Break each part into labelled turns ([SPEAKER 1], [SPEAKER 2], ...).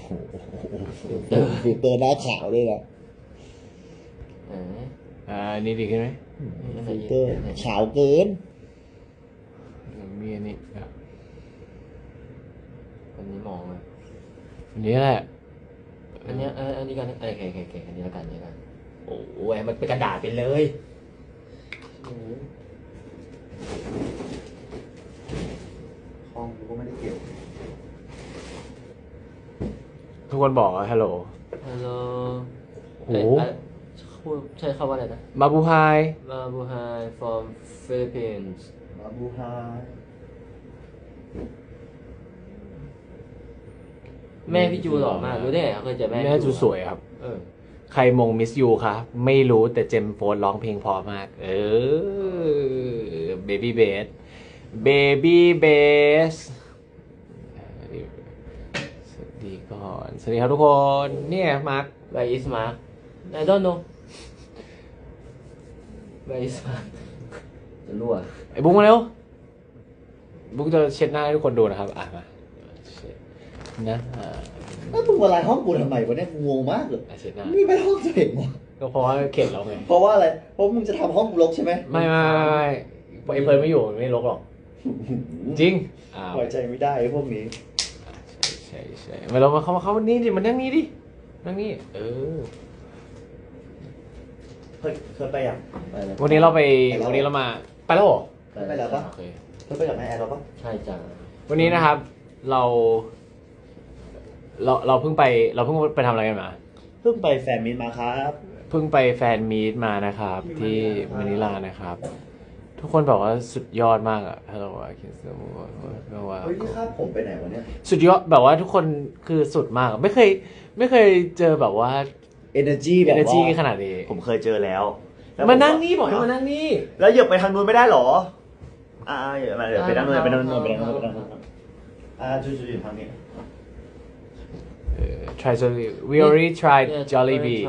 [SPEAKER 1] ฟิลเตอร์หน้าขาวด้วยนะ
[SPEAKER 2] นี่ดีขึ้นไหม
[SPEAKER 1] ฟิลเตอร์ขาวเกิน
[SPEAKER 2] มีอันนี้
[SPEAKER 3] อันนี้มองเลย
[SPEAKER 2] อันนี้แหละ
[SPEAKER 3] อันนี้อันนี้กันโอเคอันนี้แล้วกันนี่กันโอ้ยมันเป็นกระดาษไปเลย
[SPEAKER 1] ห้องกูก็ไม่ได้เก็บ
[SPEAKER 2] ทุกคนบอกว่าฮัลโหล
[SPEAKER 3] ฮัลโหล
[SPEAKER 2] โอ้
[SPEAKER 3] ใช่คำว่าอะไรนะ
[SPEAKER 2] มาบูไฮ
[SPEAKER 3] มาบูไฮ from Philippines
[SPEAKER 1] มาบูฮา
[SPEAKER 3] แม่พี่จูหล่อมากรู้ได้ไงเขาเคยเจอแม่
[SPEAKER 2] แม่จูสวยครับ ใครมงมิสยูคะไม่รู้แต่เจมโฟนร้องเพลงเพอมาก เบบี้เบสสวัสดีก่อน สวัสดีครับทุกคน เนี่ยมาร์ค
[SPEAKER 3] Where is Mark I don't know Where is Mark จะรั่ว
[SPEAKER 2] ไอ้บุ๊กมาเร็ว บุ๊กจะเช็ดหน้าให้ทุกคนดูนะครับมาเช็ดนะ
[SPEAKER 1] แล้วมึงมาลายห้องกูทำไมวะเนี่ยกูงงมากเลย
[SPEAKER 2] เช็ดหน้า
[SPEAKER 1] นี่เป็นห้องตัวเองวะ
[SPEAKER 2] ก็เพราะว่าเข็ดเราไง
[SPEAKER 1] เพราะว่าอะไรเพราะมึงจะทำห้องกูรกใช่ไหม
[SPEAKER 2] ไม่ไอ้เพิร์นไม่อยู่ไม่ลกหรอก จริง
[SPEAKER 1] ไว้ใจไม่ได้ไอ้พวกนี้
[SPEAKER 2] ใช่มาเรามาเข้าวันนี้ดิมันนั่งนี้ดินั่งนี่
[SPEAKER 1] เคยไปยัง
[SPEAKER 3] ไปเลย
[SPEAKER 2] วันนี้เรามาไปแล้วเหรอ
[SPEAKER 1] ไปแล้วปะ
[SPEAKER 2] โอเค
[SPEAKER 1] เคยไปกับนายแอร์เราปะ
[SPEAKER 3] ใช่จ้ะ
[SPEAKER 2] วันนี้นะครับเราเพิ่งไปทำอะไรกันมา
[SPEAKER 1] เพิ่งไปแฟนมิตมาครับ
[SPEAKER 2] เพิ่งไปแฟนมีตมานะครับ ที่มะนิลานะครับ ทุกคนบอกว่าสุดยอดมากอะถ้าเราว่าคิดว่า
[SPEAKER 1] เฮ้ยนี่ครับผมไปไหนวะเนี่ย
[SPEAKER 2] สุดยอดแบบว่าทุกคนคือสุดมากอะไม่เคยเจอแบบว่า
[SPEAKER 1] energy แบบว่า
[SPEAKER 2] energy ขนาดนี้
[SPEAKER 1] ผมเคยเจอแล้ว
[SPEAKER 2] มานั่งนี่บอกให้มานั่งนี่
[SPEAKER 1] แล้วเหยียบไปทางนู้นไม่ได้หรอเดี๋ยวไปนั่งนู้นไปนั่งนู้นจุดทางนี้
[SPEAKER 2] try Jollibee we already tried Jollibee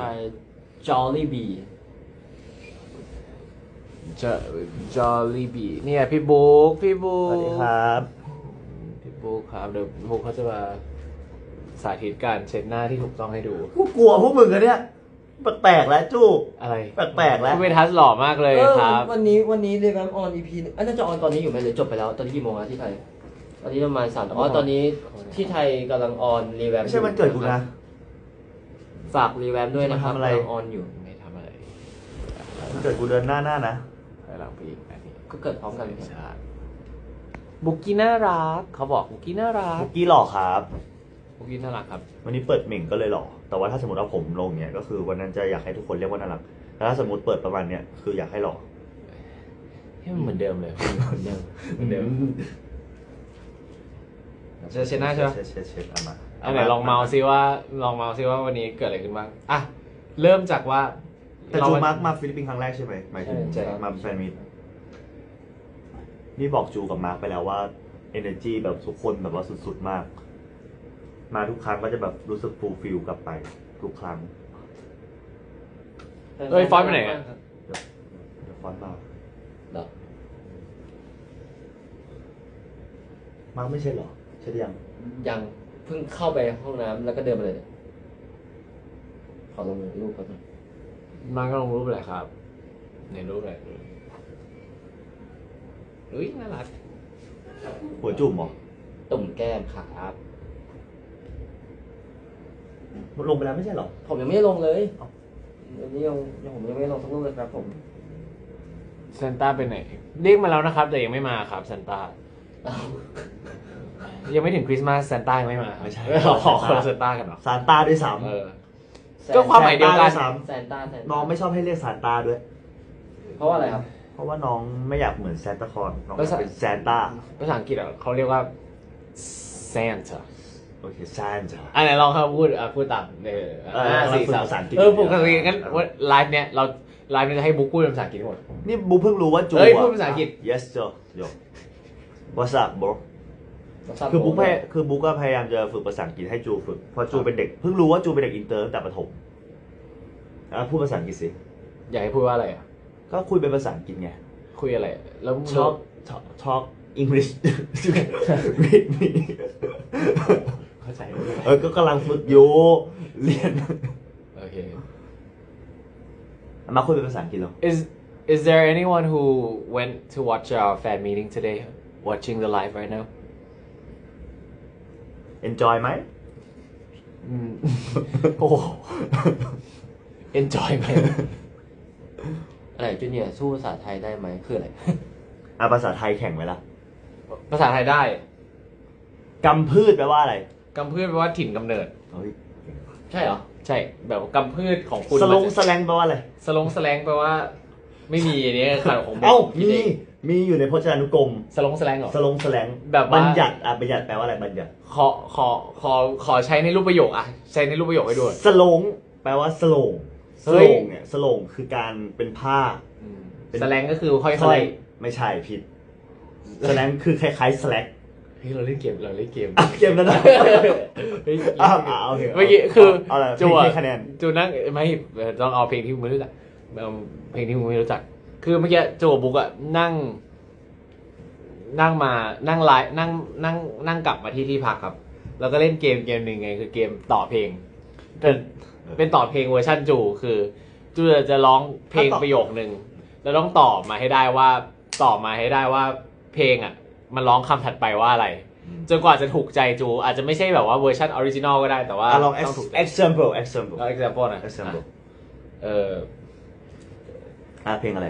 [SPEAKER 2] Jollibee เนี่ยพี่บุ๊ก
[SPEAKER 1] สวัสดีครับ
[SPEAKER 2] พี่บุ๊กครับเดี๋ยวพี่บุ๊กเขาจะมาสาธิตการเช็ดหน้าที่ถูกต้องให้ดู
[SPEAKER 1] กูกลัวพวกมึงอะเนี่ยแปลกๆแล้วจูบ
[SPEAKER 2] อะไร
[SPEAKER 1] แปลกๆแล้ว
[SPEAKER 2] คุณเวทัสหล่อมากเลยครับ
[SPEAKER 3] วันนี้เรแวมออน EP น่าจะออนตอนนี้อยู่ไหมหรือจบไปแล้วตอนนี้กี่โมงแล้วที่ไทยตอนนี้ประมาณ3ตอนนี้ที่ไทยกำลังออนรีแวม
[SPEAKER 1] ไม่ใช่มันเกิดกูนะ
[SPEAKER 3] ฝากรีแวมด้วยนะครับ
[SPEAKER 1] ทำอะไร
[SPEAKER 3] กำลังออนอยู่
[SPEAKER 2] ไม่ทำอะไร
[SPEAKER 1] มันเกิดกูเดินหน้านะ
[SPEAKER 2] ถอยหลังไปอีกอันนี้
[SPEAKER 3] ก็เกิดพร้อมกัน
[SPEAKER 2] ใช่บุกกี้น่ารักเขาบอกบุกกี้น่ารัก
[SPEAKER 1] บุกกี้หล่อครับ
[SPEAKER 2] บุกกี้น่ารักครับ
[SPEAKER 1] วันนี้เปิดเหม่งก็เลยหล่อแต่ว่าถ้าสมมติว่าผมลงเนี่ยก็คือวันนั้นจะอยากให้ทุกคนเรียกว่าน่ารักแต่ถ้าสมมติเปิดประมาณเนี้ยคืออยากให้หล่อ
[SPEAKER 2] ให้มันเหมือนเดิมเลยเหมือนเดิมจะเช็ดหน้าใช่ไหม
[SPEAKER 1] เช็ดเอามา
[SPEAKER 2] อันไหนลองเมาส์ซิว่าวันนี้เกิดอะไรขึ้นบ้างอ่ะเริ่มจากว่า
[SPEAKER 1] แต่จูมาร์กมาฟิลิปปินส์ครั้งแรกใช่ไหมหมายถึงมาแฟนมิตนี่บอกจูกับมาร์กไปแล้วว่า energy แบบทุกคนแบบว่าสุดๆมาก มาทุกครั้งก็จะแบบรู้สึกฟูลฟิลกลับไปทุกครั้ง
[SPEAKER 2] เอ้ยฟอนต์ไปไหนอะ
[SPEAKER 1] เดี๋ยวฟอนต์มา
[SPEAKER 3] เหรอ
[SPEAKER 1] มาร์กไม่ใช่เหรอใช่หรือยัง
[SPEAKER 3] ยังเพิ่งเข้าไปห้องน้ำแล้วก็เดินมาเลยขอลงรูปก่อน
[SPEAKER 2] มาก็ลงรูปอะไรครับในรูปอะไรอุ้ยน่ารัก
[SPEAKER 1] หัวจุ่มเหรอ
[SPEAKER 3] ตุ่มแก้มครับ
[SPEAKER 1] มันลงไปแล้วไม่ใช่เหรอ
[SPEAKER 3] ผมยังไม่ได้ลงเลยวันนี้ผมยังไม่ได้ลงสักรูปเลยครับผม
[SPEAKER 2] ซานต้าไปไหนเรียกมาแล้วนะครับแต่ยังไม่มาครับซานต้ายังไม่ถึงคริสต์มาสซานต้ายังไม่มาไม่ใช่ขอคนละซานต้ากันเหรอ
[SPEAKER 1] ซานต้าด้วยซ้
[SPEAKER 2] ก็ความหมายเดียวกัน
[SPEAKER 1] ำ
[SPEAKER 3] แซนต้า
[SPEAKER 1] น้องไม่ชอบให้เรียกซานต้าด้วย
[SPEAKER 3] เพราะว่าอะไรครับ
[SPEAKER 1] เพราะว่าน้องไม่อยากเหมือนซานตาคลอสน้องอยากเป็นซานต้า
[SPEAKER 2] ภาษาอังกฤษเขาเรียกว่า Santa
[SPEAKER 1] โอเคซานต้า
[SPEAKER 2] อันไหนลองครับพูดตาม
[SPEAKER 1] เราฝึกภาษาอังกฤษ
[SPEAKER 2] ปกติงั้นไลฟ์เนี้ยจะให้บุ๊กพูดเป็นภาษาอังกฤษทั้งหมด
[SPEAKER 1] นี่บูเพิ่งรู้ว่าจู
[SPEAKER 2] เอ้ยพูดภาษาอังกฤษ
[SPEAKER 1] yes sir yo what's up bro คือบุ๊กก็พยายามจะฝึกภาษาอังกฤษให้จูฝึกเพราะจูเป็นเด็กเพิ่งรู้ว่าจูเป็นเด็กอินเตอร์ตั้งแต่ประถมพูดภาษาอังกฤษสิ
[SPEAKER 2] อยากให้พูดว่าอะไรอ่ะ
[SPEAKER 1] ก็คุยเป็นภาษาอังกฤษไง
[SPEAKER 2] คุยอะไรแล้ว
[SPEAKER 1] talk English with me
[SPEAKER 2] โอเคเข้าใจ
[SPEAKER 1] ก็กำลังฝึกอยู่เรียน
[SPEAKER 2] โอเค
[SPEAKER 1] มาคุยเป็นภาษาอังกฤษเหรอ
[SPEAKER 2] Is there anyone who went to watch our fan meeting today watching the live right now
[SPEAKER 1] enjoy ไหม
[SPEAKER 2] โอ้ enjoy ไหม
[SPEAKER 3] อะไรจูเนียร์สู้ภาษาไทยได้ไหมคืออะไร
[SPEAKER 1] ภาษาไทยแข่งไหมล่ะ
[SPEAKER 2] ภาษาไทยได้
[SPEAKER 1] กำพืชแปลว่าอะไร
[SPEAKER 2] กำพืชแปลว่าถิ่นกำเนิด
[SPEAKER 1] เฮ้ย
[SPEAKER 3] ใช่เหรอ
[SPEAKER 2] ใช่แบบกำพืชของคุณ
[SPEAKER 1] สลง
[SPEAKER 2] มัน
[SPEAKER 1] สแลงแปลว่าอะไร
[SPEAKER 2] สลงแสลงแปลว่า ไม่มีอันนี้ข่าวของผม
[SPEAKER 1] เอ้า
[SPEAKER 2] คิดเอง
[SPEAKER 1] มีอยู่ในพจนานุกรม
[SPEAKER 2] สลงแสลงเหรอ
[SPEAKER 1] สลงแสลง
[SPEAKER 2] แบบว่า
[SPEAKER 1] บัญญัติบัญญัติแปลว่าอะไรบัญญัติ
[SPEAKER 2] ขอใช้ในรูปประโยคอะใช้ในรูปประโยคให้ด้วย
[SPEAKER 1] สลงแปลว่าสโลงส
[SPEAKER 2] เฮ้
[SPEAKER 1] โล
[SPEAKER 2] ย
[SPEAKER 1] งเนี่ยสโลงคือการเป็นผ้า เป็น
[SPEAKER 2] แสลงก็คือค่
[SPEAKER 1] ส
[SPEAKER 2] อ
[SPEAKER 1] แล
[SPEAKER 2] ย
[SPEAKER 1] งไม่ใช่ผิดสแลงคือคล้ายๆสแลก
[SPEAKER 2] ๆเฮ้ยเราเล่นเกม
[SPEAKER 1] เกมนั้นนะ
[SPEAKER 2] เฮ้ย
[SPEAKER 1] โอเค
[SPEAKER 2] เมื่อกี้คือ
[SPEAKER 1] เอาอะไร
[SPEAKER 2] จูอะ
[SPEAKER 1] ให้คะแนน
[SPEAKER 2] จูนั่งไม่ต้องเอาเพลงที่มึงไม่รู้จักเอาเพลงที่มึงไม่รู้จัก คือเมื่อกี้จูกับบุ๊กอะนั่งมานั่งไลฟ์นั่งกลับมาที่พักครับ แล้วก็เล่นเกมหนึ่งไงคือเกมต่อเพลงเป็นต่อเพลงเวอร์ชันจูคือจูจะร้องเพลงประโยคนึงแล้วต้องตอบมาให้ได้ว่าเพลงอ่ะมันร้องคำถัดไปว่าอะไร จนกว่าจะถูกใจจูอาจจะไม่ใช่แบบว่าเวอร์ชันออริจินอลก็ได้แต่ว่า
[SPEAKER 1] ลอง
[SPEAKER 2] ต้องถูกใจ
[SPEAKER 1] example
[SPEAKER 2] เอา example นะ
[SPEAKER 1] example เพลงอะไร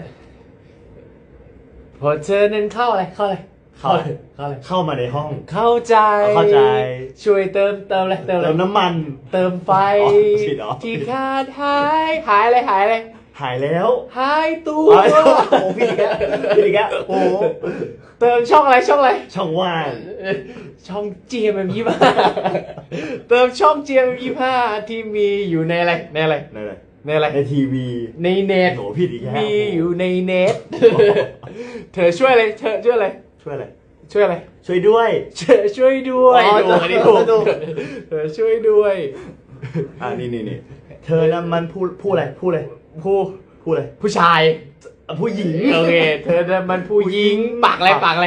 [SPEAKER 2] พอเธอนั้นเข้าอะไรเข้า
[SPEAKER 1] มาในห้อง
[SPEAKER 2] เข้าใจ
[SPEAKER 1] เข้าใจ
[SPEAKER 2] ช่วยเติมอะไร
[SPEAKER 1] เติมน้ำมัน
[SPEAKER 2] เติมไฟ
[SPEAKER 1] อ๋อผิดเหรอ
[SPEAKER 2] ที่ขาดหายอะไร
[SPEAKER 1] หายแล้ว
[SPEAKER 2] หายตัว
[SPEAKER 1] โอ้พี่อีกแล้วโอ้
[SPEAKER 2] เติมช่องอะไร
[SPEAKER 1] ช่องว่าง
[SPEAKER 2] ช่อง GMM25 เติมช่อง GMM25 ที่มีอยู่ในอะไร
[SPEAKER 1] ในอะไร ในทีวี
[SPEAKER 2] ในเน็ต
[SPEAKER 1] โหผิดอีกแล้ว
[SPEAKER 2] มีอยู่ในเน็ต เธอช่วยอะไร
[SPEAKER 1] ช่วยอะไร
[SPEAKER 2] ช่วยด้วย
[SPEAKER 1] ช่วย
[SPEAKER 2] อันนี้ถูกเธอช่วยด้วย
[SPEAKER 1] นี่เธอนั้นมันพูดอะไร
[SPEAKER 2] ผู้ชาย
[SPEAKER 1] ผู้หญิง
[SPEAKER 2] โอเค เธอนั้นมันผู้หญิงปากอะไร
[SPEAKER 1] ปากอะไร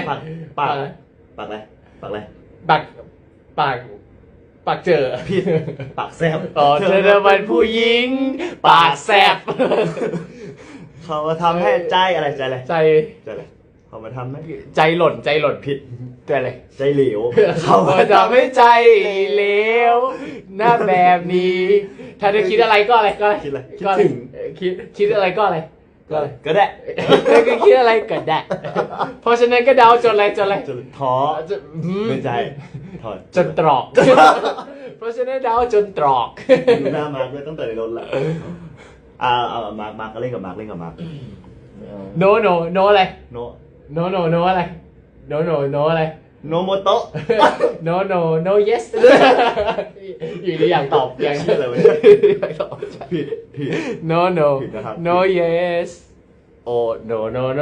[SPEAKER 2] ปากเจอ
[SPEAKER 1] ผิดปากแซบ
[SPEAKER 2] อ๋อเธอนั้นมันผู้หญิง ปากแซบ
[SPEAKER 1] เขามาทำให้ใจอะไร
[SPEAKER 2] ใจ
[SPEAKER 1] เขามาทำให้
[SPEAKER 2] ใจหล่น
[SPEAKER 1] ผิด
[SPEAKER 2] ใจอะไร
[SPEAKER 1] ใจเหลว
[SPEAKER 2] เขามาทำให้ใจเหลวหน้าแบบนี้ ถ้าเธอคิดอะไรก็อะไร
[SPEAKER 1] คิดอะไร
[SPEAKER 2] ก็อะไรคิดอะไรก็อะไร
[SPEAKER 1] ก็ได้
[SPEAKER 2] เธอก็คิดอะไรก็ได้ เพราะฉะนั้นก็เดาจนอะไร
[SPEAKER 1] จนท้อไม่ใจถอด
[SPEAKER 2] จนตรอก เพราะฉะนั้นเดาจนตรอก
[SPEAKER 1] ดูหน้ามาร์คด้วยตั้งแต่ในรถละมาร์คก็เล่นกับมาร์ค
[SPEAKER 2] no อะไร
[SPEAKER 1] โน
[SPEAKER 2] no อะไร no อะไร
[SPEAKER 1] โนโมโตะ
[SPEAKER 2] no yes อยู่ดีอยากตอบอยาก
[SPEAKER 1] ชื่ออะไรวะ
[SPEAKER 2] ตอบ
[SPEAKER 1] ผิด
[SPEAKER 2] no
[SPEAKER 1] ผิดนะครับ
[SPEAKER 2] no yes oh no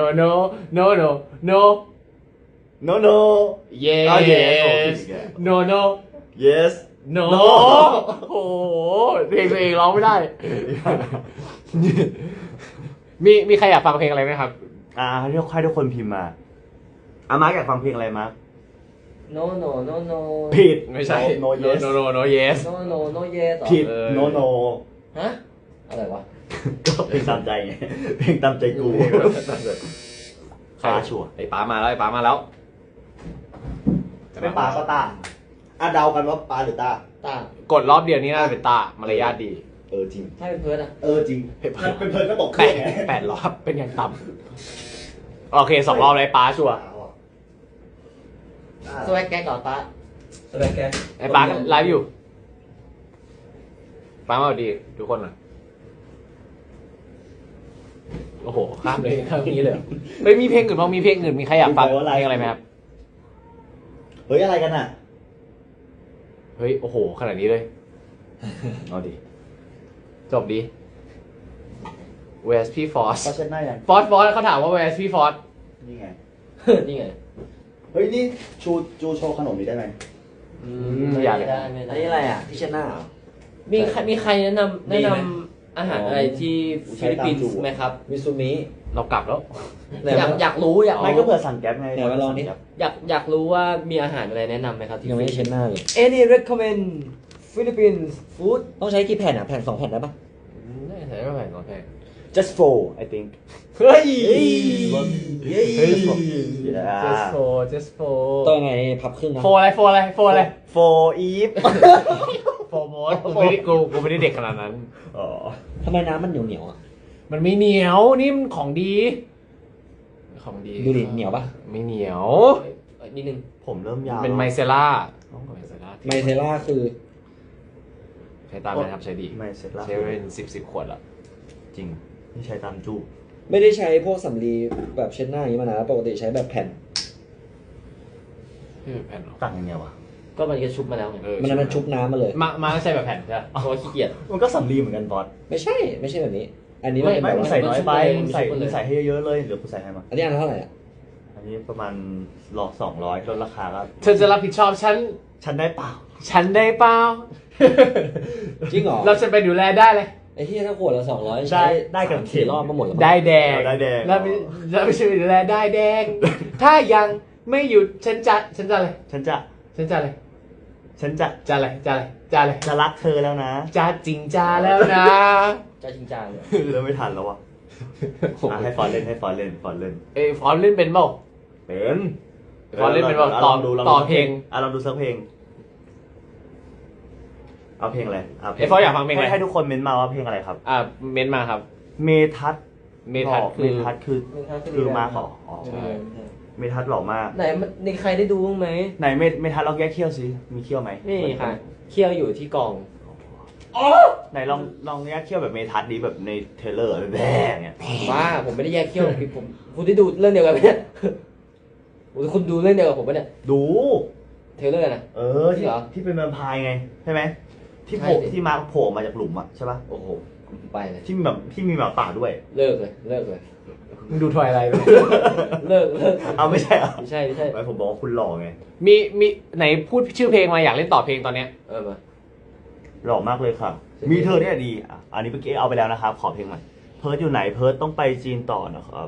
[SPEAKER 1] no
[SPEAKER 2] yes
[SPEAKER 1] อ๋อ yes โอ้ผิดอีกแล้ว
[SPEAKER 2] no
[SPEAKER 1] yes
[SPEAKER 2] no โอ้โหเพลงตัวเองร้องไม่ได้ มีใครอยากฟังเพลงอะไรไหมครับ
[SPEAKER 1] ให้ทุกคนพิมพ์มามาร์คอยากฟังเพลงอะไรมาร์ค
[SPEAKER 3] no
[SPEAKER 1] ผิด
[SPEAKER 2] ไม่ใช่
[SPEAKER 1] no yes
[SPEAKER 2] no yes
[SPEAKER 3] no yes
[SPEAKER 1] ผิด
[SPEAKER 2] เออ
[SPEAKER 1] no
[SPEAKER 3] ฮะอะไรวะ
[SPEAKER 1] ก็เพลงตามใจไงเพลงตามใจกูฟ้าชัวร์
[SPEAKER 2] ไอ้ป๋ามาแล้ว
[SPEAKER 1] ไม่ปลาก็ตาเดากันว่าปลาหรือตา
[SPEAKER 3] ตาก
[SPEAKER 2] ดรอบเดียวนี้น่าจะเป็นตามารยาทดี
[SPEAKER 1] จริง
[SPEAKER 3] ถ้าเป็นเพิร์ดอะ
[SPEAKER 1] จริงเป็นเพลินก็ตกเครื่องไง
[SPEAKER 2] แปดรอบเป็นอย่างต่ำโอเค2 รอบเลยป๋าชัวร์
[SPEAKER 3] สวัสดีแกก่อนตา
[SPEAKER 1] สวัสดีแก
[SPEAKER 2] ไอ้ป๋าก็ไลฟ์อยู่ป๋ามาดีทุกคนอ่ะโอ้โหข้ามเลยข้ามนี้เลยไม่มีเพลงอื่นบ้างมีเพลงอื่นมีใครอยากฟังเพลงอะไรไหมครับ
[SPEAKER 1] เฮ้ยอะไรกันอ่ะ
[SPEAKER 2] เฮ้ยโอ้โหขนาดนี้เลย
[SPEAKER 1] เอาดิ
[SPEAKER 2] จบดี Where's P Force
[SPEAKER 1] เขาเช็ดหน้ายัง
[SPEAKER 2] Force เขาถามว่า Where's P Force
[SPEAKER 1] นี่ไง
[SPEAKER 3] นี่ไง
[SPEAKER 1] เฮ้ยนี่จูโชว์ขนมนี้ได้ไหม
[SPEAKER 2] อยากเลย
[SPEAKER 3] ไม่ได้
[SPEAKER 4] อันนี้อะไรอ่ะที่เช็ดหน้าเหรอ
[SPEAKER 3] มีใครแนะนำอาหารอะไรที่ฟิลิปปินส์ไหมครับ
[SPEAKER 4] มิซูมิ
[SPEAKER 2] เรากลับแล้ว
[SPEAKER 3] อยากรู้อยาก
[SPEAKER 1] ไม่ก็เผื่อสั่งแก๊ปไง
[SPEAKER 4] ไหนมาลองดิ
[SPEAKER 3] อยากรู้ว่ามีอาหารอะไรแนะนำไหมครับที่
[SPEAKER 4] ยังไม่ได้เช็ดหน้าเลย
[SPEAKER 3] Any recommend Philippines food
[SPEAKER 4] ต้องใช้กี่แผ่นอ่ะ แผ่น2 แผ่นได้ปะ
[SPEAKER 2] ได้ใช้ไม่แพงก็แพง
[SPEAKER 1] just for I think
[SPEAKER 2] เฮ้ย
[SPEAKER 1] just for yeah
[SPEAKER 2] just for
[SPEAKER 4] ต้องยังไงพับครึ่งนะ
[SPEAKER 2] โฟอะไรโฟอะไรโฟอะไร
[SPEAKER 1] for Eve
[SPEAKER 2] โฟโมสกูไม่ได้เด็กขนาดนั้น
[SPEAKER 1] อ๋อ
[SPEAKER 4] ทำไมน้ำมันเหนียวๆอ่ะ
[SPEAKER 2] มันไม่เหนียวนี่มันของดี ของดี
[SPEAKER 4] ดูดิเหนียวปะ
[SPEAKER 2] ไม่เหนียว
[SPEAKER 3] นิดนึง
[SPEAKER 1] ผมเริ่มยาว
[SPEAKER 2] เป็นไมเซล่าไมเซล่า
[SPEAKER 4] ไมเซล่าคือ
[SPEAKER 2] ใช้ตามเลยครับใช้ดี
[SPEAKER 1] ไม่เสร็จแล้ว
[SPEAKER 2] ใช้เป็นสิบขวดละ
[SPEAKER 1] จริงนี่ใช้ตามจู
[SPEAKER 4] ไม่ได้ใช้พวกสำลีแบบเช็ดหน้าอย่างนี้มานานแล้วปกติใช้แบบแผ่น
[SPEAKER 2] ไม่เป็นแผ่นหรอ
[SPEAKER 1] ต่างยังไงวะ
[SPEAKER 3] ก็มันก็ชุบมาแล้วไง
[SPEAKER 4] มันชุบน้ำมาเลย
[SPEAKER 2] มาใช้แบบแผ่นใช่ไหม
[SPEAKER 3] เพราะว่าขี้เกียจ
[SPEAKER 1] มันก็สำลีเหมือนกันบอส
[SPEAKER 4] ไม่ใช่แบบนี้ อันนี้มันเป็น
[SPEAKER 1] ไม่
[SPEAKER 4] แบบ
[SPEAKER 1] มึง
[SPEAKER 4] ว่า
[SPEAKER 1] ใส่น้อยไป
[SPEAKER 3] มัน
[SPEAKER 1] มึง
[SPEAKER 3] ชุบไปเลย
[SPEAKER 1] ใส่ให้เยอะๆเลยเดี๋ยวกูใส่ให้มา
[SPEAKER 4] อันนี้อันละเท่าไหร่อ่ะ
[SPEAKER 1] อันนี้ประมาณ200ลดราคาก็
[SPEAKER 2] เธอจะรับผิดชอบฉัน
[SPEAKER 1] ฉันได้เปล่า
[SPEAKER 2] ฉันได้เปล่า
[SPEAKER 4] จริงเหรอ
[SPEAKER 2] เราจะไปดูแลได้เลย
[SPEAKER 4] ไอ้ที่ถ้าขวดละ200
[SPEAKER 1] ได้กับ
[SPEAKER 4] 4 รอบก็หมดแล้ว
[SPEAKER 2] ได้แดง
[SPEAKER 1] ได้แดง
[SPEAKER 2] เราไปช่วยดูแลได้แดง ถ้ายังไม่หยุดฉันจะอะไร
[SPEAKER 1] ฉันจะ
[SPEAKER 2] ฉันจะอะไร
[SPEAKER 1] ฉันจะ
[SPEAKER 2] จะอะไรจะอะไร
[SPEAKER 1] จะรักเธอแล้วนะ
[SPEAKER 2] จะจริงจ้าแล้วนะ
[SPEAKER 3] จะจริงจังเลย
[SPEAKER 1] เริ่มไม่ทันแล้ววะอ่ะให้ฟอนเล่นฟอนเล่น
[SPEAKER 2] เอ้ยฟอนเล่นเป็นเปล่า
[SPEAKER 1] เป็น
[SPEAKER 2] ฟอนเล่นเป็นเปล่า
[SPEAKER 1] ลองดู
[SPEAKER 2] ต่อเพลง
[SPEAKER 1] ลองดูสักเพลง เอาเพลงอะไร
[SPEAKER 2] เอ้ยฟอนอยากฟังเพลงอะไร
[SPEAKER 1] ให้ทุกคนเม้นต์มาว่าเพลงอะไรครับ
[SPEAKER 2] เม้นมาครับ
[SPEAKER 1] เมทัศน์
[SPEAKER 2] เมทัศน์
[SPEAKER 1] เมทัศน์คือมาขออ๋อ
[SPEAKER 2] ใช่
[SPEAKER 1] เมทัศน์หล่อมาก
[SPEAKER 3] ไหนในใครได้ดูบ้างไหม
[SPEAKER 1] ไหนเมทัศน์ลองแยกเขี้ยวสิมีเขี้ยวไหม
[SPEAKER 3] นี่ค่ะเคี่ยวอยู่ที่กอง
[SPEAKER 1] ไหนลองแยกเขี้ยวแบบเมทัศน์ดีแบบในเทรลเลอร์แบบเงี้ย
[SPEAKER 3] บ้าผมไม่ได้แยกเคี่ยวผมคุณได้ดูเรื่องเดียวกันไหมเนี่ยคุณดูเรื่องเดียวกับผมปะเนี่ย
[SPEAKER 1] ดู
[SPEAKER 3] เทรลเลอร์นะ
[SPEAKER 1] ที่
[SPEAKER 3] เหรอ
[SPEAKER 1] ที่เป็นแวมไพร์ไงใช่ไหมที่โผล่
[SPEAKER 3] ใช่ดิ
[SPEAKER 1] ที่มาโผล่มาจากหลุมอะใช่ปะ
[SPEAKER 3] โอ้โหไปเลย
[SPEAKER 1] ที่มีหมาป่าด้วย
[SPEAKER 3] เลิกเลย
[SPEAKER 2] มึงดูทวายอะไรไป
[SPEAKER 3] เลิก
[SPEAKER 1] เอาไม่ใช่เหรอ
[SPEAKER 3] ไม่ใช่
[SPEAKER 1] ไม่ผมบอกว่าคุณหล่อไง
[SPEAKER 2] มีไหนพูดชื่อเพลงมาอยากเล่นต่อเพลงตอนเนี้ย
[SPEAKER 3] มา
[SPEAKER 1] หล่อมากเลยค่ะ มีเธอเนี่ยดีอ่ะอันนี้เมื่อกี้เอาไปแล้วนะครับขอเพลงใหม่เพิร์ดอยู่ไหนเพิร์ดต้องไปจีนต่อนะครับ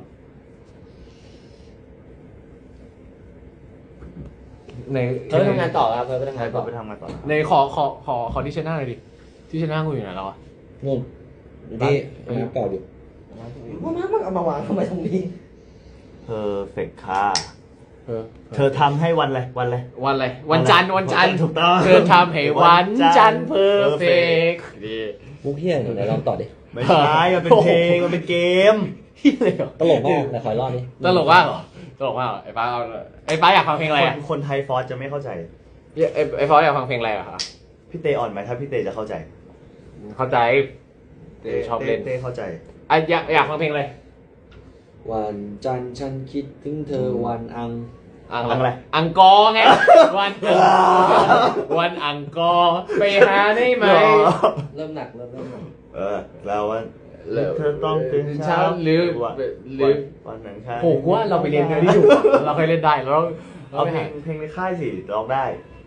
[SPEAKER 2] ใน
[SPEAKER 3] เธอไปทำงานต่อครับเธอไปทำ
[SPEAKER 1] ใช่
[SPEAKER 3] งาน
[SPEAKER 1] ก็
[SPEAKER 3] ต่อ
[SPEAKER 1] ไปทำงานต่อนะ
[SPEAKER 2] ในขอที่ชนะหน่อยดิที่ชนะกูอยู่ไหนแล้วอะ
[SPEAKER 4] งงที่น้ำเปล่าอยู่
[SPEAKER 3] มันเอามาวางทำไมตรงนี้
[SPEAKER 1] เพอร์เฟกค่ะเธอทำให้วันอะไร
[SPEAKER 2] วันอะไรวันจันทร์
[SPEAKER 1] ถูกต้อง
[SPEAKER 2] เธอทำให้วันจันทร์เพอร์เฟกดี
[SPEAKER 4] มุกเฮียไหนลองต่อดิ
[SPEAKER 1] ไม่ใช่มันเป็นเพลงมันเป็นเกม
[SPEAKER 2] ที่เลยเหรอ
[SPEAKER 4] ตลกมากไหนขออีกรอบดิ
[SPEAKER 2] ตลกมากเหรอตลกมากเหรอไอ้ป้าอยากฟังเพลงอะไรอะ
[SPEAKER 1] คนไทยฟอสจะไม่เข้าใจ
[SPEAKER 2] ไอ้ฟอสอยากฟังเพลงอะไรอะคะ
[SPEAKER 1] พี่เตอ่อนไหมถ้าพี่เตจะเข้าใจ
[SPEAKER 2] เข้าใจชอบเล่น
[SPEAKER 1] เต้เข้าใจ
[SPEAKER 2] อ่ะอยากฟังเพลงอะไร
[SPEAKER 4] วันจันทร์ฉันคิดถึงเธอวันอัง
[SPEAKER 1] อะไร
[SPEAKER 2] อังกอร์ไงวันอังกอร์ไปหาได้ไหม
[SPEAKER 3] เริ่มหนัก
[SPEAKER 1] แล้วว่า
[SPEAKER 2] แล้ว
[SPEAKER 1] เธอต้องตื่นเช้า
[SPEAKER 2] หรือ
[SPEAKER 1] วันหนังคาร
[SPEAKER 2] โหว่าเราไปเรียนกันที่อยู่เราเคยเล่นได้เรา
[SPEAKER 1] เอา
[SPEAKER 2] ไป
[SPEAKER 1] เพล
[SPEAKER 2] หาง
[SPEAKER 1] เพลงในค่ายสิร้องได้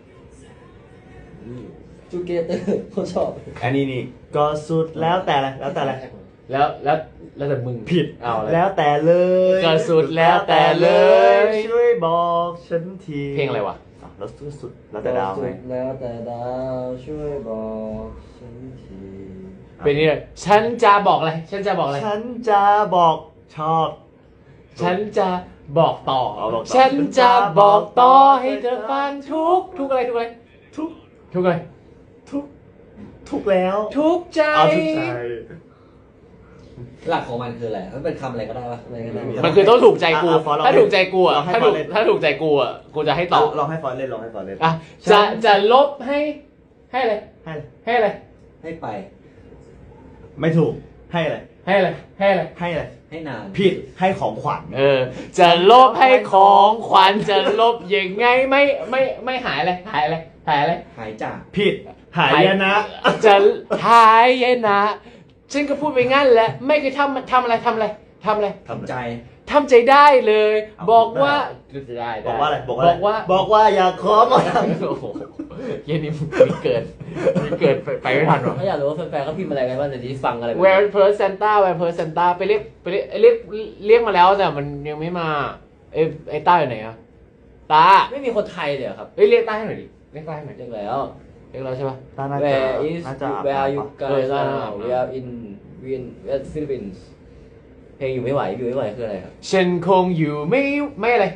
[SPEAKER 3] จูเกเตอร์เขาชอบ
[SPEAKER 1] อันนี้นี่ก็สุดแล้วแต่อะไรแล้วแต่อะไร
[SPEAKER 2] แล้วแต่มึง
[SPEAKER 1] ผิด
[SPEAKER 2] เอาเลย
[SPEAKER 1] แล้วแต่เลย
[SPEAKER 2] ก็สุดแล้วแต่เลย
[SPEAKER 1] ช่วยบอกฉันที
[SPEAKER 2] เพลงอะไรวะ
[SPEAKER 1] แล้วสุดแล้วแต่ดาวไง
[SPEAKER 3] แล้วแต่ดาวช่วยบอกฉันที
[SPEAKER 2] เป็นนี่เลยฉันจะบอกอะไรฉันจะบอกอะไร
[SPEAKER 1] ฉันจะบอกชอบ
[SPEAKER 2] ฉันจะบอกต่อ
[SPEAKER 1] เอาบอกต่อ
[SPEAKER 2] ฉันจะบอกต่อให้เธอฟังทุกอะไร
[SPEAKER 1] ทุก
[SPEAKER 2] ทุกอะไร
[SPEAKER 1] ทุกแล้ว
[SPEAKER 2] ทุกใจ
[SPEAKER 1] เอาทุกใจ
[SPEAKER 4] หลักของมันคืออะไรมันเป็นคำอะไรก็ได้ปะ
[SPEAKER 3] อะไรก็ได้
[SPEAKER 2] มันคือต้องถูกใจกู
[SPEAKER 1] อ่ะฟอนต์ลอง
[SPEAKER 2] ถ้าถูกใจกูอ่ะ
[SPEAKER 1] ลองให้
[SPEAKER 2] ถ้า
[SPEAKER 1] ฟ
[SPEAKER 2] ถู
[SPEAKER 1] อน
[SPEAKER 2] ก
[SPEAKER 1] ต์เล่น
[SPEAKER 2] ถ้าถูกใจกูอ่ะกูจะให้ต่อ
[SPEAKER 1] ลองให้ฟอนต์เล่นลองให้ฟอนต์เล่น
[SPEAKER 2] อ่ะจะลบให้อะไร
[SPEAKER 1] ให้เลย
[SPEAKER 2] ให้อะไร
[SPEAKER 4] ให้ไป
[SPEAKER 1] ไม่ถูกให้อะไร
[SPEAKER 2] ให้อะไรให้อะไร
[SPEAKER 1] ให้อะไร
[SPEAKER 4] ให้นาน
[SPEAKER 1] ผิดให้ของขวัญ
[SPEAKER 2] จะลบให้ของขวัญจะลบยังไงไม่หายอะไรหายอะไรหายอะไร
[SPEAKER 4] หายจาก
[SPEAKER 1] ผิดหายนะ
[SPEAKER 2] จะหายนะฉันก็พูดไปงั้นแหละไม่เคยทำอะไร
[SPEAKER 4] ทำใจ
[SPEAKER 2] ทำใจได้เลย บอกว่าได้
[SPEAKER 1] บอกว่าอะไร
[SPEAKER 2] บอกว่า
[SPEAKER 1] อยากขอมา
[SPEAKER 2] โอ้โหเย็นนี้มีเกิดไปไม่ทันหรอ
[SPEAKER 3] ถ้าอยากรู้ว่าแฟนๆเขาพิมพ์อะไรกันบ้างเดี๋ยวที่ฟังอะไร
[SPEAKER 2] Where per Santa Where per Santa ไปเรียกมาแล้วแต่มันยังไม่มาไอ้ต้าอยู่ไหนอะตา
[SPEAKER 3] ไม่มีคนไทยเลยเหรอครับ
[SPEAKER 2] เรียกต้าให้หน่อยดิเรียกต้าให้หน่อย
[SPEAKER 3] เรียกแล้ว
[SPEAKER 2] เรียกเราใช่ปะ
[SPEAKER 1] น่าจะ
[SPEAKER 3] Where is
[SPEAKER 1] น่าจะ
[SPEAKER 3] Where are you
[SPEAKER 2] เอ
[SPEAKER 3] guys
[SPEAKER 2] อ
[SPEAKER 3] now We are in Philippines เพลงอยู่ไม่ไหวคืออะไรครับ
[SPEAKER 2] ฉันคงอยู่ไม่อะไร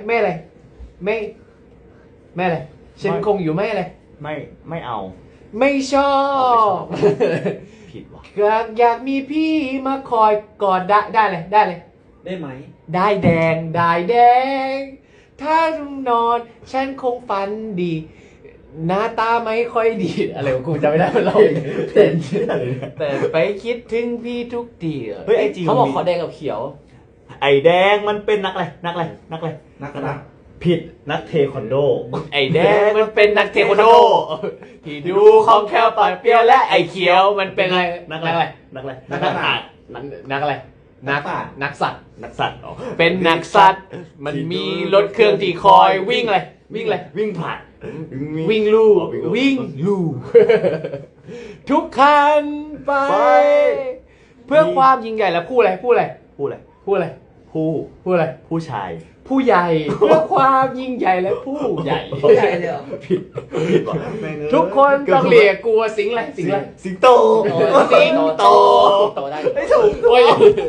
[SPEAKER 2] ฉันคงอยู่ไม่อะไร
[SPEAKER 1] ไม่เอา
[SPEAKER 2] ไม่ชอบ
[SPEAKER 1] ผิดว่ะ
[SPEAKER 2] อยากมีพี่มาคอยกอดได้เลย
[SPEAKER 4] ได้ไหม
[SPEAKER 2] ได้แดง ถ้านอนฉันคงฝันดี หน้าตาไม่ค่อยดีอะไรของกูจำไม่ได้มันเราแต่ไปคิดถึงพี่ทุกที
[SPEAKER 1] เฮ้ยไอจี
[SPEAKER 3] เขาบอกขอแดงกับเขียว
[SPEAKER 1] ไอแดงมันเป็นนักอะไร ผิดนักเทควันโด
[SPEAKER 2] ไอแดงมันเป็นนักเทควันโดที่ดูของแคลปากเปรี้ยวและไอเขียวมันเป็นอะไรนักอะไร นักสัตว์เป็นนักสัตว์มันมีรถเครื่องที่คอยวิ่งอะไร
[SPEAKER 1] วิ่งผ่าน
[SPEAKER 2] วิ่งลู่ทุกคันไป เพื่อความยิ่งใหญ่แล้วพูดอะไร
[SPEAKER 1] ผู้ชาย
[SPEAKER 2] ผู้ใหญ่เพื่อความยิ่งใหญ่และผู้ใหญ่
[SPEAKER 3] ใช่เลยเหรอ
[SPEAKER 1] ผิดว่ะแม่งเอ้ย
[SPEAKER 2] ทุกคนต้องเรียกกลัวสิงอะไร
[SPEAKER 1] สิงโต
[SPEAKER 3] โตได้
[SPEAKER 1] ไม่ถูก
[SPEAKER 2] โอ้ย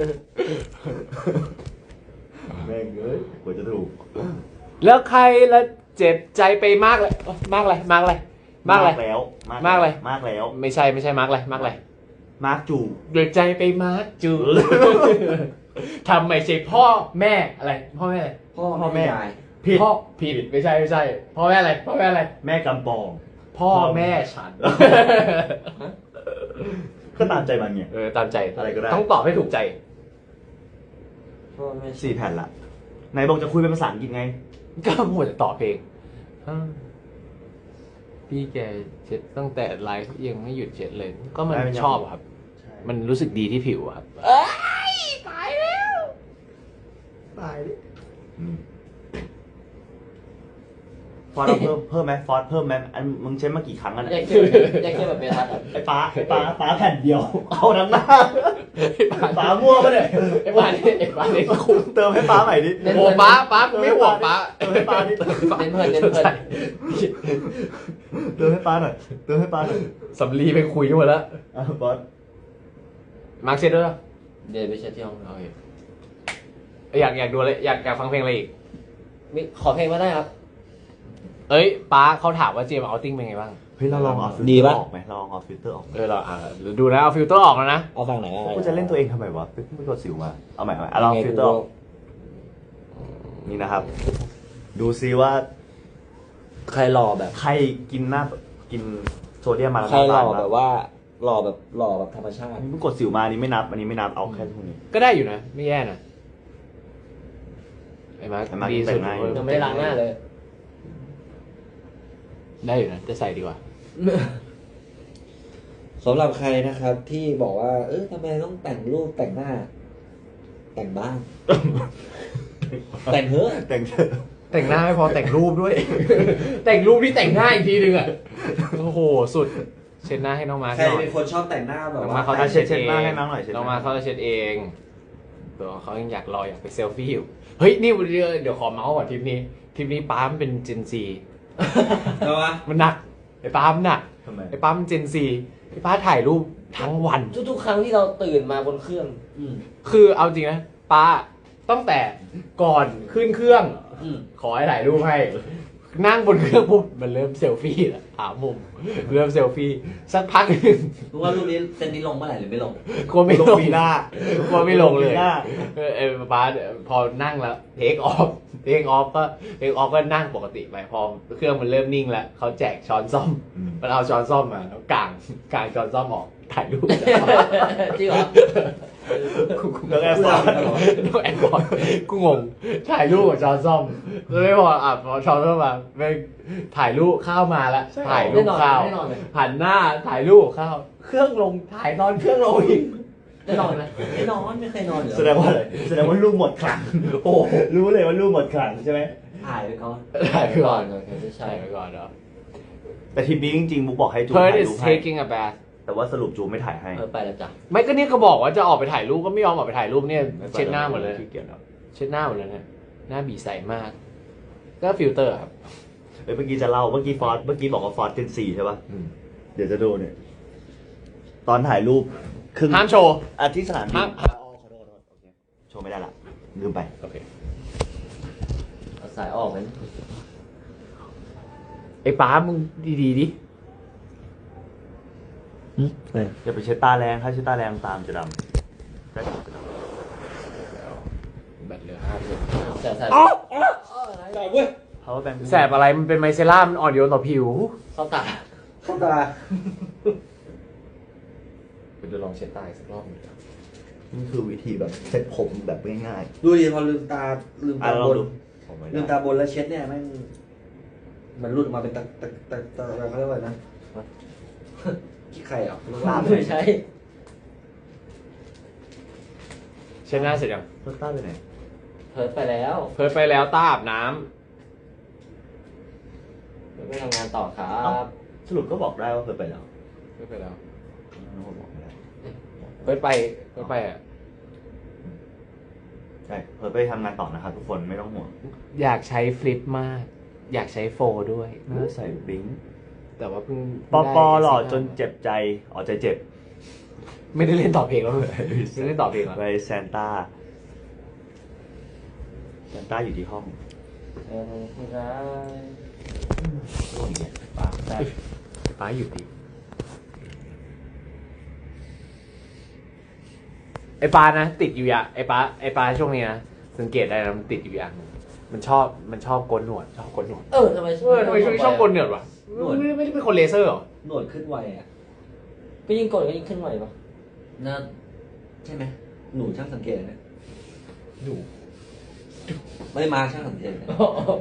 [SPEAKER 1] แม่งเอ้ยกว่าจะถูก
[SPEAKER 2] แล้วใครละเจ็บใจไปมากเลยมากเลย
[SPEAKER 1] มากแล้ว
[SPEAKER 2] ไม่ใช่มากเลย
[SPEAKER 1] มาร์กจู
[SPEAKER 2] เดือดใจไปมากจูทำไม่ใช่พ่อแม่อะไรพ่อแม่อะไร
[SPEAKER 4] พ่อแม่ยาย
[SPEAKER 1] ผิด
[SPEAKER 2] พ่อผิดไม่ใช่พ่อแม่อะไร
[SPEAKER 1] แม่กำปอง
[SPEAKER 2] พ่อแม่ฉัน
[SPEAKER 1] ก็ตามใจมันไง
[SPEAKER 2] ตามใจ
[SPEAKER 1] อะไรก็ได้
[SPEAKER 2] ต้องตอบให้ถูกใจ
[SPEAKER 3] พ่อแม่
[SPEAKER 1] 4 แผ่นละไหนบอกจะคุยเป็นภาษาอังกฤษไง
[SPEAKER 2] ก็หมดแต่ต่อเพลงพี่แกเช็ดตั้งแต่ไลฟ์ยังไม่หยุดเช็ดเลย ก็มันชอบอะครับ มันรู้สึกดีที่ผิวอะครับตายแล้วตายดิ
[SPEAKER 1] ฟอสเพิ่มไหมฟอสเพิ่มไหมอันมึงเช็ดมากี่ครั้งกัน
[SPEAKER 3] อยากเชื่อแบบเมทัศน์ครับ
[SPEAKER 1] ไอ้ป้าแผ่นเดียว เอาทั้งหน้าป้ามั่วปะเนี่ย
[SPEAKER 2] ไอ้บ้านนี่คุ้ม
[SPEAKER 1] เติมให้ป้าใหม่ดิ
[SPEAKER 2] โอ้ป้าไม่ห่วงป้า
[SPEAKER 1] เติมให้ป้าดิ
[SPEAKER 3] เน้นเพลิน
[SPEAKER 1] เติมให้ป้าหน่อย
[SPEAKER 2] สำลีไปคุยกันหมดแล้ว
[SPEAKER 1] บอส
[SPEAKER 2] มาร์คเช็ดด้วยเหรอ
[SPEAKER 3] เดี๋ยวไปเช็ดที่ห้อง
[SPEAKER 2] โอเคอยากดูอะไรอยากฟังเพลงอะไรอีก
[SPEAKER 3] ขอเพลงมาได้ครับ
[SPEAKER 2] เอ้ยป้าเขาถามว่าเจมเอาติ้งเป็นไงบ้าง
[SPEAKER 1] เฮ้ยเราลองเอาฟิล
[SPEAKER 4] ดี
[SPEAKER 1] เตอ
[SPEAKER 4] ปะ
[SPEAKER 1] ร์ออกไหมเราลองเอาฟิลเตอร์ออก
[SPEAKER 2] เราดูนะเอาฟิลเตอร์ออกแล้วนะ
[SPEAKER 4] เอาฝั่งไหน
[SPEAKER 1] กูจะเล่นตัวเองทำไมวะไม่กดสิวมาเอาใหม่เอาลองฟิลเตอร์ออกนี่นะครับ ดูซิว่า
[SPEAKER 4] ใครหล่อแบบ
[SPEAKER 1] ใครกินโซเดียมมาแล้ว
[SPEAKER 4] ใครหล่อ
[SPEAKER 1] น้ำตาล
[SPEAKER 4] แบบว่าหล่อแบบธรรมชาติ
[SPEAKER 1] อันนี้มึงกดสิวมาอันนี้ไม่นับเอาแค่พวกนี้
[SPEAKER 2] ก็ได้อยู่นะ ไม่แย่นะไอ้มาร์ค
[SPEAKER 1] ไอ้มาร์ค
[SPEAKER 2] ดีสุด
[SPEAKER 1] แต่งหน้า
[SPEAKER 3] ยังไม่ได้ล้างหน้าเลย
[SPEAKER 2] ได้อยู่นะจะใส่ดีกว่า
[SPEAKER 4] สำหรับใครนะครับที่บอกว่าทำไมต้องแต่งรูปแต่งหน้า แต่งบ้าง แต่งเถอะ
[SPEAKER 1] แต่ง
[SPEAKER 2] แต่งหน้าไม่พอแต่งรูปด้วย แต่งรูปที่แต่งหน้าอีกทีนึงอ่ะโอ้โหสุดเช็ดหน้าให้น้องมาร์ค
[SPEAKER 4] ใคร
[SPEAKER 2] หน่อย
[SPEAKER 4] เป็นคนชอบแต่งหน้าแบบ
[SPEAKER 2] น้อง
[SPEAKER 4] ว่า
[SPEAKER 2] มาร์คเขาจะ
[SPEAKER 1] เช็
[SPEAKER 2] เช็
[SPEAKER 1] ด
[SPEAKER 2] ด
[SPEAKER 1] หน้า
[SPEAKER 2] เอง
[SPEAKER 1] ให้น้องหน่อยเช็ดหน้า
[SPEAKER 2] น้องมาร์คเขาจะเช็ดเองตัวเขายังอยากไปเซลฟี่อยู่เฮ้ยนี่เดี๋ยวขอเมาส์ก่อนทริปนี้ป้ามันเป็นเจนซี
[SPEAKER 4] ทำไม
[SPEAKER 2] มันหนักไอ้ป้ามันหนัก
[SPEAKER 1] ทำไม
[SPEAKER 2] ไอ้ป้ามันเจนซีไอ้ป้าถ่ายรูปทั้งวัน
[SPEAKER 3] ทุกครั้งที่เราตื่นมาบนเครื่อง
[SPEAKER 2] คือเอาจริงนะป้าตั้งแต่ก่อนขึ้นเครื่อง ขอให้ถ่ายรูปให้ นั่งบนเครื่องปุ๊บมันเริ่มเซลฟี่แล้วหามุมเริ่มเซลฟี่สักพักหนึ่ง
[SPEAKER 4] รู้ว่ารูปนี้เซนนี้ลงเมื่อไหร่หรือไม่ลง
[SPEAKER 2] กลัวไม่ลง
[SPEAKER 1] ปีหน้า
[SPEAKER 2] กลัวไม่ลงเลย
[SPEAKER 1] ปีหน้า
[SPEAKER 2] ป้าพอนั่งแล้วเทคออฟก็นั่งปกติไปพอเครื่องมันเริ่มนิ่งแล้วเขาแจกช้อนซ่อมมันเอาช้อนซ่อมมาแล้วกางช้อนซ่อมออกถ่ายรูป
[SPEAKER 3] จริงเหรอ
[SPEAKER 1] แล้วแอร์ฟอร์
[SPEAKER 2] ต้องแอนก่อนกูงงถ่ายรูปกับช้อนซ่อมแล้วไม่พอพอช้อนซ่อมมาไม่ถ่ายรูปข้าวมาแล้วถ่ายรูปข้าว
[SPEAKER 3] แน่นอนเลย
[SPEAKER 2] หันหน้าถ่ายรูปข้าวเครื่องลงถ่ายตอนเครื่องลงอีก
[SPEAKER 3] ได้นอนไหมไม่นอนไม่เคยนอนเหรอ
[SPEAKER 1] แสดงว่าอะไรแสดงว่าลูกหมดคลังโอ้รู้เลยว่าลูกหมดคลังใช่ไหม
[SPEAKER 3] ถ่ายไปก่อน
[SPEAKER 2] ถ่ายไปก่อน
[SPEAKER 3] โอเคไม่ใช่
[SPEAKER 2] ใช่ไปก่อนเนาะ
[SPEAKER 1] แต่ทีมนี้จริงๆมุกบอกให้จู
[SPEAKER 2] Perth
[SPEAKER 1] ถ่าย
[SPEAKER 2] is
[SPEAKER 1] รูปให้
[SPEAKER 2] taking a bath
[SPEAKER 1] แต่ว่าสรุปจูไม่ถ่ายให้
[SPEAKER 3] ไปแล้วจ้ะ
[SPEAKER 2] ไม่ก็เนี่ยก็บอกว่าจะออกไปถ่ายรูปก็ไม่ยอมออกไปถ่ายรูปเนี่ยเช็ดหน้าหมดเลย
[SPEAKER 1] ขี้เกียจแล้ว
[SPEAKER 2] เช็ดหน้าหมดเลยเนี่ยหน้าบีใสมาก ก็ฟิลเตอร์ครับ
[SPEAKER 1] เมื่อกี้จะเล่าเมื่อกี้บอกว่าฟอสเจน4ใช่ป่ะเดี๋ยวจะดูเนี่ยตอนถ่ายรูปครึ่ง
[SPEAKER 2] ห้ามโชว์
[SPEAKER 1] ที่สนามบิน
[SPEAKER 2] ห้าม
[SPEAKER 1] อ๋อขอโทษโอเคโชว์ไม่ได้ละลืมไป
[SPEAKER 2] โอเค
[SPEAKER 3] เอาสายออกไหม
[SPEAKER 2] ไอ้ป้ามึงดีๆดิ
[SPEAKER 1] อย่าไปเช็ดตาแรงถ้าเช็ดตาแรงตามจะดำได้จะดำ
[SPEAKER 2] แบตเหลือ5%
[SPEAKER 3] แต่สาย
[SPEAKER 4] แต่เว้ย
[SPEAKER 1] power bank
[SPEAKER 2] แสบอะไรมันเป็นไมเซล่ามันอ่อนโยนต่อผิว
[SPEAKER 3] เข้าตา
[SPEAKER 4] เข้าตา
[SPEAKER 2] คุณจะลองเช็ดตาสักรอบนึง
[SPEAKER 1] นี่คือวิธีแบบเซ็ตผมแบบง่าย
[SPEAKER 4] ดูดิพอลืมตา
[SPEAKER 1] ๆอ่ะลอง
[SPEAKER 4] บน
[SPEAKER 1] ดู
[SPEAKER 4] ลืมตาบนแล้วเช็ดเนี่ยแม่งมันหลุดออกมาเป็นตะอะไรเขาเรียกว่าอะไรนะขี้ไข่อ่ะ
[SPEAKER 3] ไม่ใช่
[SPEAKER 2] เช็ดหน้าเสร็จยัง
[SPEAKER 1] รถต้าไปไหน
[SPEAKER 3] เพิร์ดไปแล้ว
[SPEAKER 2] เพิร์ดไปแล้วต้าอาบน้
[SPEAKER 3] เพิร์ดไปทำงานต่อครับ
[SPEAKER 1] สรุปก็บอกได้ว่าเคยไปแล้ว
[SPEAKER 2] ำเพิร์ดไปแล้ว
[SPEAKER 1] บอกไม่ได้
[SPEAKER 2] เพิร์ดไปอ่ะ
[SPEAKER 1] ใช่เคยไปทำงานต่อนะครับทุกคนไม่ต้องห่วง
[SPEAKER 2] อยากใช้ฟลิปมาก อยากใช้โฟร์ด้วย
[SPEAKER 1] น่าใส่บลิงค์
[SPEAKER 2] แต่ว่าเพิ่ง
[SPEAKER 1] ปอปอหล่อจนเจ็บใจอ๋อใจเจ็บ
[SPEAKER 2] ไม่ได้เล่นต่อเพลงแล้วเลยไม่ได้เล่นต่อเพลงแล้ว
[SPEAKER 1] ไปแซนต้าอยู่ที่ห้อง
[SPEAKER 3] ที่ร้าย
[SPEAKER 1] ห้องเนี่ย
[SPEAKER 2] ป้าได้ป้าอยู่ดีไอ้ปานะติดอยู่อย่างไอ้ปาช่วงนี้นะสังเกตได้นะมันติดอยู่อย่างหนึ่งมันชอบโกนหนวดทำไม
[SPEAKER 3] ทำไม
[SPEAKER 2] ช่วงนี้ชอบโกนหนวดวะไม่ได้เป็นคนเลเซอร์หรอ
[SPEAKER 4] หนวดขึ้นไวอ่ะ
[SPEAKER 3] ก็ยิ่งกดก็ยิ่งขึ้นไหวปะ
[SPEAKER 4] น่าใช่ไหมหนูช่างสังเกตนะ
[SPEAKER 2] หนู
[SPEAKER 4] ไม่ได้มาช่างสังเกตนะ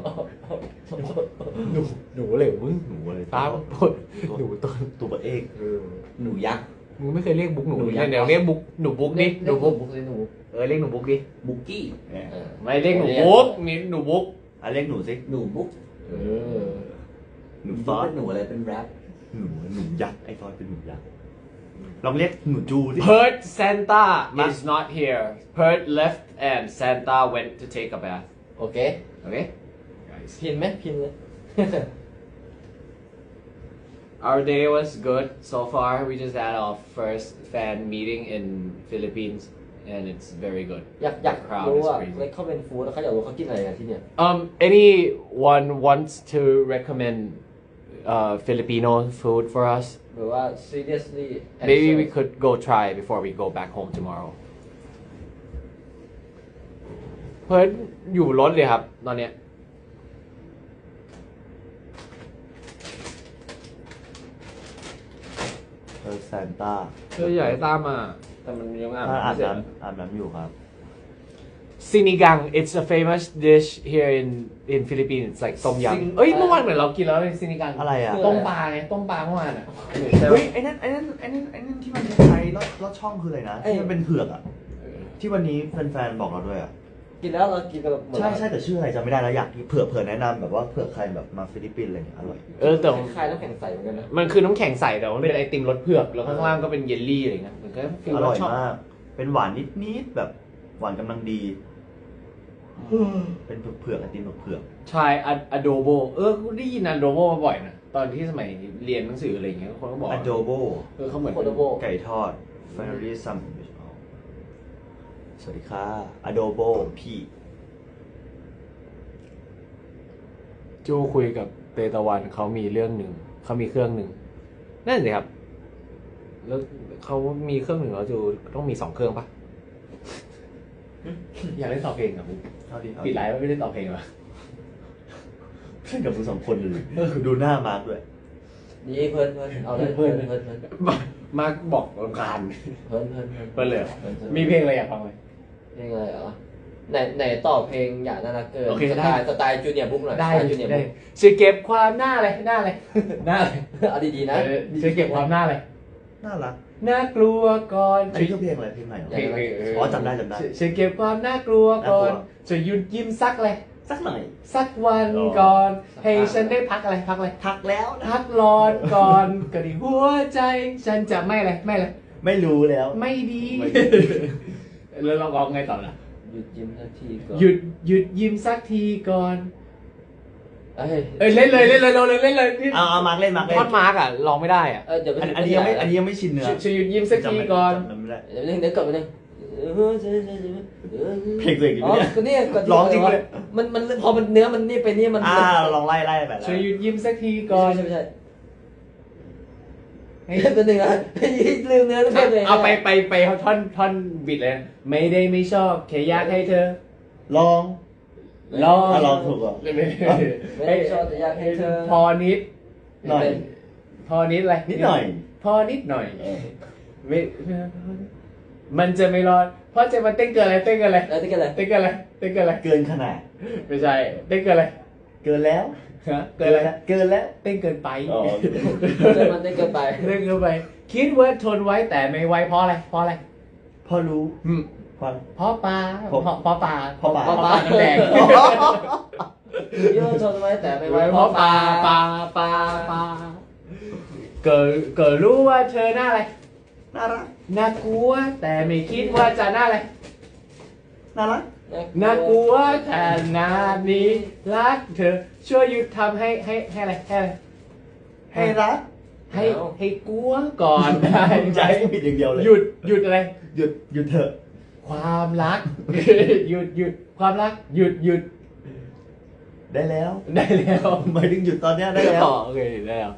[SPEAKER 2] หนูเลยมึง
[SPEAKER 1] หนูอะไร
[SPEAKER 2] ป้าปดหนูตัว
[SPEAKER 1] ตัวเบอร์เอก
[SPEAKER 4] หนูยักษ์
[SPEAKER 2] มึงไม่เคยเรียกบุ๊กหนู
[SPEAKER 4] หนู
[SPEAKER 2] เลย
[SPEAKER 4] ยักษ์
[SPEAKER 2] เดี๋ยวเรียกบุ๊กหนูบุ๊กดิหนูบุ๊ก
[SPEAKER 3] เลยหนู
[SPEAKER 2] เรียกหนูบุ๊กดิ
[SPEAKER 4] บุกกี้
[SPEAKER 1] เนี่ย
[SPEAKER 2] ไม่เรียกหนูบุ๊กมีหนูบุ๊ก
[SPEAKER 1] อ่ะเรียกหนูสิ
[SPEAKER 4] หนูบุ๊ก
[SPEAKER 1] หนู
[SPEAKER 4] ฟ
[SPEAKER 1] ฟ
[SPEAKER 4] อ
[SPEAKER 1] อ
[SPEAKER 4] ส
[SPEAKER 1] ส
[SPEAKER 4] เป็นหนูอะไรเป็นแรป
[SPEAKER 1] หนูยักษ์ไอ้ฟอสเป็นหนูยักษ์ลองเรียกหนูจูสิ
[SPEAKER 2] Perth Santa is not here Perth left and Santa went to take a bath
[SPEAKER 3] โอเค
[SPEAKER 2] okay guys
[SPEAKER 3] พินไหมพินเลย
[SPEAKER 2] our day was good so far we just had our first fan meeting in Philippines and it's very good
[SPEAKER 3] อยาก
[SPEAKER 2] The crowd
[SPEAKER 3] รู้
[SPEAKER 2] is
[SPEAKER 3] ว่า
[SPEAKER 2] crazy
[SPEAKER 3] เล็กเขาเป็นฟู้ดแล้วเขาอยากรู้เขากินอะไรกันที่เนี่ย
[SPEAKER 2] anyone wants to recommend Filipino food for us
[SPEAKER 3] หรือว่า seriously
[SPEAKER 2] maybe we could go try before we go back home tomorrow เพิร์ดอยู่รถเลยครับตอนเนี้ย
[SPEAKER 1] แซนต้า
[SPEAKER 2] เพื่อใหญ่ตามมาแต่มันยังอาบ
[SPEAKER 1] อาบ
[SPEAKER 2] น้ำไม่เสร็จ
[SPEAKER 1] อาบน้ำอยู่ครับ
[SPEAKER 2] Sinigang it's a famous dish here in Philippines it's like ต้มยำเอ้ยเมื่อวานเหมือนเรากินแล้วในซินิกัง
[SPEAKER 1] อะไรอ่ะ
[SPEAKER 2] ต้มปลาไงต้มปลาเมื่อวานอ่ะ
[SPEAKER 1] เฮ้ยไอ้นั่นที่มันคล้ายๆลอดช่องคืออะไรนะที่มันเป็นเผือกอ่ะที่วันนี้แฟนๆบอกเราด้วยอ่ะ
[SPEAKER 3] กินแล้วเรากินกันแบบ
[SPEAKER 1] ใช่แต่ชื่ออะไรจำไม่ได้แล้วอยากเผื่อแนะนำแบบว่าเผื่อใครแบบมาฟิลิปปินส์อะไรเงี้ยอร่อย
[SPEAKER 2] แต่
[SPEAKER 3] คล้ายๆน้ำแข็งใสเหมือนกันนะ
[SPEAKER 2] มันคือน้ำแข็งใสแต่ว่ามันเป็นไอติมรสเผือกแล้วข้างล่างก็เป็นเยลลี่อะไรเงี้ยมันก็ฟีล
[SPEAKER 1] อร่อย
[SPEAKER 2] ชอบ
[SPEAKER 1] มากเป็นหวานนิดๆแบบหวานกำลังดี เป็นเผือกไอติมเผือก
[SPEAKER 2] ชายอะโดโบได้ยินอะโดโบมาบ่อยนะตอนที่สมัยเรียนหนังสืออะไรเงี้ยคนก็บอก
[SPEAKER 1] อะโดโบ
[SPEAKER 2] เขาเหมือน
[SPEAKER 3] โคโดโบ
[SPEAKER 1] ไก่ทอดฟาริซัมสวัสดีค่ะอะโดโบพี่
[SPEAKER 2] จูคุยกับเตตะวันเขามีเรื่องหนึ่งเขามีเครื่องหนึ่งนั่นสิครับแล้วเขามีเครื่องหนึ่งแล้วจูต้องมี2 เครื่องปะ อยากเล่นต่อเพลงกับมึง
[SPEAKER 1] เอาดิ
[SPEAKER 2] ปิดไลฟ์ไม่เล่นต่อเพลงหรอ
[SPEAKER 1] เล่นกับมึง2 คนเลยดูหน้ามาร์คด้วย
[SPEAKER 3] นี่เพิ่นเอาเลยเพิ่น
[SPEAKER 2] มาบอกรำคาญ
[SPEAKER 3] เพิ่น
[SPEAKER 2] เปิดเลยเหรอมีเพลงอะไรอยากฟังไหม
[SPEAKER 3] เพลงอะไรเหรอไหนต่อเพลงอย่าน่ารักเกิน
[SPEAKER 2] โอเค
[SPEAKER 3] ส
[SPEAKER 2] ได้
[SPEAKER 3] ไตล์จูเนียร์บุ๊กหน่อย
[SPEAKER 2] ได้
[SPEAKER 3] สตล์จูเนียร์
[SPEAKER 2] ได้
[SPEAKER 3] บุ๊ก
[SPEAKER 2] ช่วยเก็บความหน้าเลยหน้าเลย
[SPEAKER 3] เอาดีๆนะ
[SPEAKER 2] ช่วยเก็บความหน้าเลย
[SPEAKER 1] น่ารัก
[SPEAKER 2] น่ากลัวก่อน
[SPEAKER 1] อันนี้คือเพลงอะไรเพลงไหน
[SPEAKER 2] เพลง
[SPEAKER 1] อ๋อจำได้จำได้
[SPEAKER 2] ฉันเก็บความน่ากลัวก่อน
[SPEAKER 1] น่ากลัว
[SPEAKER 2] จะหยุดยิ้มสักเลย
[SPEAKER 1] สักหน่อย
[SPEAKER 2] สักวัน
[SPEAKER 1] อ๋อ
[SPEAKER 2] ก่อน ให้ฉันได้พักอะไรพักอะไร
[SPEAKER 1] ทักแล้วนะ
[SPEAKER 2] พักร้อนก่อนก็ดีหัวใจ ฉันจะไม่อะไรไม่อะไร
[SPEAKER 1] ไม่รู้แล้ว
[SPEAKER 2] ไม่ดี แล้วเราร้องไงต่อล่ะ
[SPEAKER 3] หยุดยิ้มสักทีก่อน
[SPEAKER 2] หยุดยิ้มสักทีก่อน
[SPEAKER 3] เอ้ย
[SPEAKER 2] เล่นเลยเราเลยเล่นเลยนี่
[SPEAKER 1] เอามาร์กเล่นมาร์กเล่น
[SPEAKER 2] ท่อนมาร์กอ่ะร้องไม่ได้อ่ะ
[SPEAKER 3] เดี๋ยวไป
[SPEAKER 1] อันนี้ยังไม่ชินเนื้อ
[SPEAKER 2] ช่วยหยุดยิ้มสักทีก่อน
[SPEAKER 1] จำไม่ได้
[SPEAKER 3] เดี๋ยวนึงเดี๋ยวกดไปนึง
[SPEAKER 1] เพลงตัวเองอยู่
[SPEAKER 3] อ๋อ
[SPEAKER 1] เนี่ย
[SPEAKER 3] ก็เนี่ยกด
[SPEAKER 1] ร้องจริงเลย
[SPEAKER 3] มันพอมันเนื้อมันนี่ไปนี่มัน
[SPEAKER 1] ลองไล่ไปแล้ว
[SPEAKER 2] ช่วยหยุดยิ้มสักทีก่อน
[SPEAKER 3] ไม่ใช่ตัวหนึ่งนะลืมเนื้อทุกคนเลย
[SPEAKER 2] เอาไปท่อนบิดเลยนะไม่ได้ไม่ชอบแค่อยากให้เธอ
[SPEAKER 1] ลอง
[SPEAKER 2] ลอง
[SPEAKER 1] ลองถูกเหรอ
[SPEAKER 3] ไม่ได้ชอบแต่อยากให้เธอ
[SPEAKER 2] พอนิด
[SPEAKER 1] หน่อย
[SPEAKER 2] พอนิดอะไร
[SPEAKER 1] นิดหน่อย
[SPEAKER 2] พอนิดหน่อยไม่มันจะไม่รอดเพราะจะมาเต้นเกินอะไรเต้นเกินอะไร
[SPEAKER 3] แล้วที่กันอะไร
[SPEAKER 2] เต้นเกินอะไรเต้นเกินอะไร
[SPEAKER 1] เกินขนาด
[SPEAKER 2] ไม่ใช่เต้นเกินอะไร
[SPEAKER 1] เกินแล้ว
[SPEAKER 2] ฮะเกินอะไร
[SPEAKER 1] เกินแล้ว
[SPEAKER 2] เต้นเกินไป
[SPEAKER 1] อ๋อ
[SPEAKER 3] มันได้เกินไป
[SPEAKER 2] เต้นเกินไป คิดว่าทนไว้แต่ไม่ไหวเพราะอะไรเพราะอะไร
[SPEAKER 1] พอรู้
[SPEAKER 2] อืม
[SPEAKER 1] ความ
[SPEAKER 2] เพราะปลา
[SPEAKER 1] เพราะ
[SPEAKER 2] เพราะปลา
[SPEAKER 1] เพราะปลา
[SPEAKER 2] น้ำแดง
[SPEAKER 3] โยนชนไว้แต่ไม่
[SPEAKER 2] ไว้
[SPEAKER 3] ไว้
[SPEAKER 2] เพราะปลาเกิดรู้ว่าเธอหน้าอะไร
[SPEAKER 1] น่ารัก
[SPEAKER 2] น่ากลัวแต่ไม่คิดว่าจะหน้าอะไร
[SPEAKER 1] น่ารัก
[SPEAKER 2] น่ากลัวขนาดนี้รักเธอช่วยหยุดทำให้อะไรให้อะไร
[SPEAKER 1] ให้รัก
[SPEAKER 2] ให้กลัวก่อนได้
[SPEAKER 1] ใจ
[SPEAKER 2] ไหม
[SPEAKER 1] ผิดอย่างเดียวเลย
[SPEAKER 2] หยุดอะไร
[SPEAKER 1] หยุดเถอะ
[SPEAKER 2] ความรัก หยุดความรักหยุด
[SPEAKER 1] ได้แล้ว
[SPEAKER 2] ได้แล้ว
[SPEAKER 1] หมายถึงหยุดตอนเนี้ยได้แล้ว
[SPEAKER 2] อ๋อโอเคได้แล้ว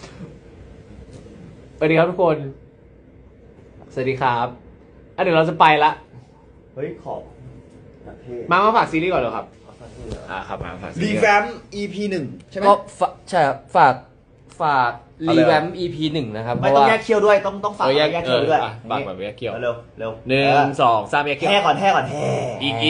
[SPEAKER 2] สวัสดีครับทุกคน สวัสดีครับเดี๋ยวเราจะไปละ
[SPEAKER 1] เฮ้ยขอบประเทศ
[SPEAKER 2] มาฝากซีรีส์ก่อนเลยครับครับมาฝากซี
[SPEAKER 1] ดี
[SPEAKER 2] รีส์
[SPEAKER 1] แฟม EP 1ใช่ไหม
[SPEAKER 3] ก็ใช่ครับฝาก
[SPEAKER 2] เอาเลย
[SPEAKER 3] รีแวม EP 1นะครับเพ
[SPEAKER 1] ไม่
[SPEAKER 3] ราะ
[SPEAKER 1] ต้อง
[SPEAKER 3] ว่า
[SPEAKER 1] แยกเคี้ยวด้วยต้องฝากแยกเคี้ยวด้วย
[SPEAKER 2] ฝากแบบแยกเกี่ยว
[SPEAKER 1] เร็วเร็ว
[SPEAKER 2] หนึ่งสองสามแยกเกี่ยว
[SPEAKER 1] แห่ก่อนแห่
[SPEAKER 2] อีก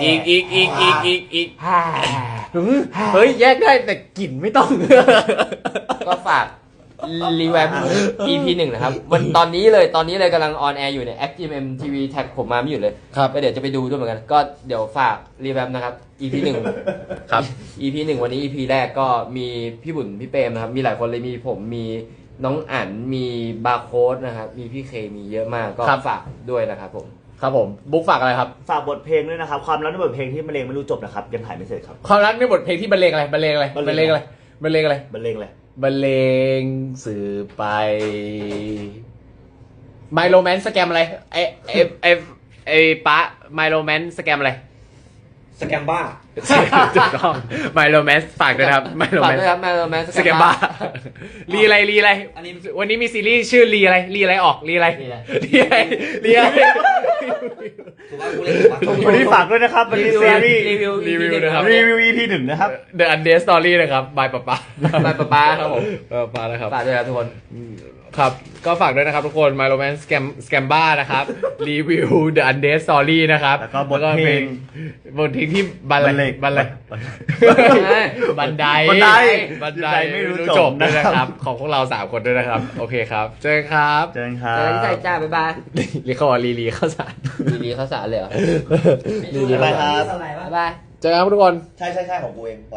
[SPEAKER 2] เฮ้ยแยกได้แต่กลิ่นไม่ต้อง
[SPEAKER 3] ก็ฝากรีแวม EP 1นะครับวันตอนนี้เลยกำลังออนแอร์อยู่ใน ActGMM TV แท็กผมมาไม่หยุดเลย
[SPEAKER 2] ครับ
[SPEAKER 3] ก็เดี๋ยวจะไปดูด้วยเหมือนกัน ก็เดี๋ยวฝากรีแวมนะครับ EP 1
[SPEAKER 2] ครับ
[SPEAKER 3] EP 1 วันนี้ EP แรกก็มีพี่บุญพี่เปรมนะครับ มีหลายคนเลยมีผมมีน้องอั๋นมีบาร์โค้ดนะครับ มีพี่เคมีเยอะมากก็
[SPEAKER 2] ครับ
[SPEAKER 3] ฝากด้วยนะครับผม
[SPEAKER 2] ครับผมบุ๊กฝากอะไรครับ
[SPEAKER 1] ฝากบทเพลงด้วยนะครับ ความรักในบทเพลงที่มะเร็งไม่รู้จบนะครับ ยังถ่ายไม่เสร็จครับ
[SPEAKER 2] ความรักในบทเพลงที่บรรเลงอะไรบรรเลงอะไร
[SPEAKER 1] บรรเลงอะไร
[SPEAKER 2] บรรเลงอะไร
[SPEAKER 1] บรรเลงเลย
[SPEAKER 2] บรรเลงสื่อไป My Romance สแกมอะไรไอ้ป๊า My Romance สแกมอะไร
[SPEAKER 4] สแกมบ้า
[SPEAKER 2] ถูกต้อง My Romance ฝากด้วยนะครับ My
[SPEAKER 3] ฝาก
[SPEAKER 2] Romance
[SPEAKER 3] ด้วยครับแมนแมน
[SPEAKER 2] สแกมบ้ารีอะไร
[SPEAKER 4] อันนี้
[SPEAKER 2] วันนี้มีซีรีส์ชื่อรีอะไรออกรีอะไร
[SPEAKER 4] ถูกว่ากูเล่นถูกว่า
[SPEAKER 1] วันนี้ฝากด้วยนะครับวันนี้ซีรีส์
[SPEAKER 3] รีวิว
[SPEAKER 2] รีวิวนะครับ
[SPEAKER 1] รีวิว EP 1นะครับ
[SPEAKER 2] The Undead Story นะครับ by ป๊าป๊า
[SPEAKER 3] ไปป๊าครับผม
[SPEAKER 2] ป๊านะครับ
[SPEAKER 3] ฝากด้วยครับทุกคน
[SPEAKER 2] ครับ ก็ฝากด้วยนะครับทุกคน My Romance Scamba นะครับ รีวิว The Undead Story นะครับ
[SPEAKER 1] แล้วก็บทเพลง
[SPEAKER 2] บทเพลงที่บันไดบันได
[SPEAKER 1] บันไดไม่รู้จบ
[SPEAKER 2] ด้วยนะ
[SPEAKER 1] นะ
[SPEAKER 2] ค
[SPEAKER 1] ครั
[SPEAKER 2] รับ
[SPEAKER 1] บ
[SPEAKER 2] ของพวกเรา3คนด้วยนะครับ โอเคครับ เจอกันครับ
[SPEAKER 1] เจอกันครั
[SPEAKER 3] เจอกันที่ไทย
[SPEAKER 1] บ
[SPEAKER 3] จ้าบ๊ายบาย
[SPEAKER 2] รีเขาบอกรีเข้าสาร
[SPEAKER 3] รีข้าวสารเลยเหรอ
[SPEAKER 1] บ๊ายบายครับ
[SPEAKER 3] บ๊ายบาย
[SPEAKER 2] เจอกันครับทุกคน
[SPEAKER 1] ใช่ของกูเอง